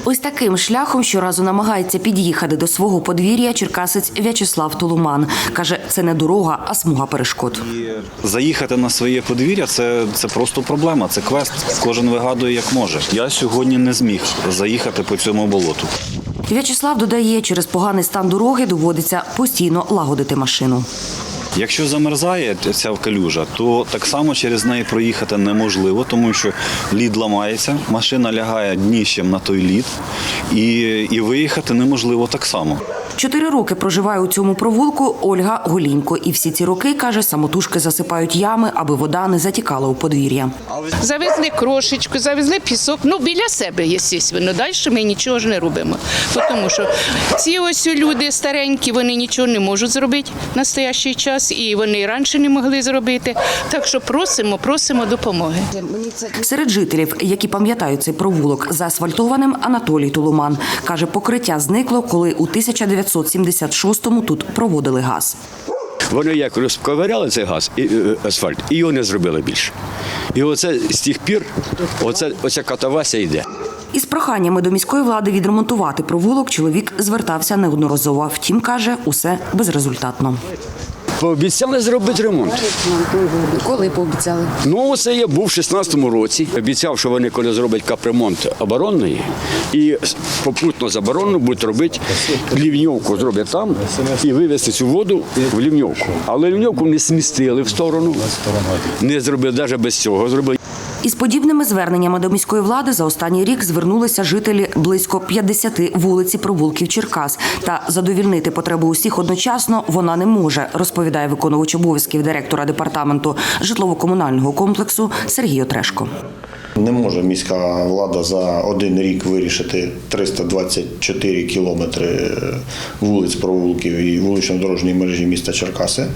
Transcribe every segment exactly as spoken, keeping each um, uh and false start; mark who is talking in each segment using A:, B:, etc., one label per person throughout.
A: Ось таким шляхом щоразу намагається під'їхати до свого подвір'я черкасець В'ячеслав Тулуман. Каже, це не дорога, а смуга перешкод.
B: Заїхати на своє подвір'я – це, це просто проблема, це квест. Кожен вигадує, як може. Я сьогодні не зміг заїхати по цьому болоту.
A: В'ячеслав додає, через поганий стан дороги доводиться постійно лагодити машину.
B: Якщо замерзає ця калюжа, то так само через неї проїхати неможливо, тому що лід ламається, машина лягає дніщем на той лід, і, і виїхати неможливо так само.
A: Чотири роки проживає у цьому провулку Ольга Голінько. І всі ці роки, каже, самотужки засипають ями, аби вода не затікала у подвір'я.
C: Завезли крошечку, завезли пісок, ну біля себе, звісно, далі ми нічого ж не робимо. Тому що ці ось люди старенькі, вони нічого не можуть зробити в настоящий час, і вони і раніше не могли зробити. Так що просимо, просимо допомоги.
A: Серед жителів, які пам'ятають цей провулок заасфальтованим, Анатолій Тулуман. Каже, покриття зникло, коли у тисяча дев'ятсот сімдесят шостому тут проводили газ.
D: Вони як розковиряли цей газ, і, асфальт, і його не зробили більше. І оце з тих пір, оце, оця катавася йде.
A: Із проханнями до міської влади відремонтувати провулок чоловік звертався неодноразово. Втім, каже, усе безрезультатно.
D: Пообіцяли зробити ремонт.
A: Коли пообіцяли?
D: Ну, це я був у шістнадцятому році. Обіцяв, що вони, коли зроблять капремонт оборонний, і попутно з оборонною будуть робити лівньовку, зроблять там і вивезти цю воду в лівньовку. Але лівньовку не смістили в сторону, не зробили, навіть без цього зробили.
A: Із подібними зверненнями до міської влади за останній рік звернулися жителі близько п'ятдесяти вулиць і провулків Черкас. Та задовільнити потребу усіх одночасно вона не може, розповідає виконувач обов'язків директора департаменту житлово-комунального комплексу Сергій Отрешко.
E: Не може міська влада за один рік вирішити триста двадцять чотири кілометри вулиць, провулків і вулично-дорожньої мережі міста Черкаси.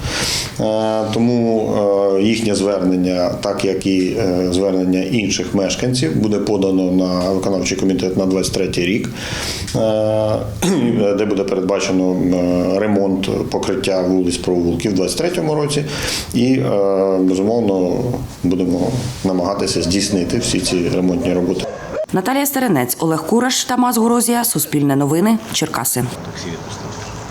E: Тому їхнє звернення, так як і звернення інших мешканців, буде подано на виконавчий комітет на двадцять третій рік, де буде передбачено ремонт покриття вулиць, провулків у двадцять третьому році. І, безумовно, будемо намагатися здійснити всі ці ремонтні роботи.
A: Наталія Стеренець, Олег Кураш, Тамас Горозія, Суспільне новини, Черкаси.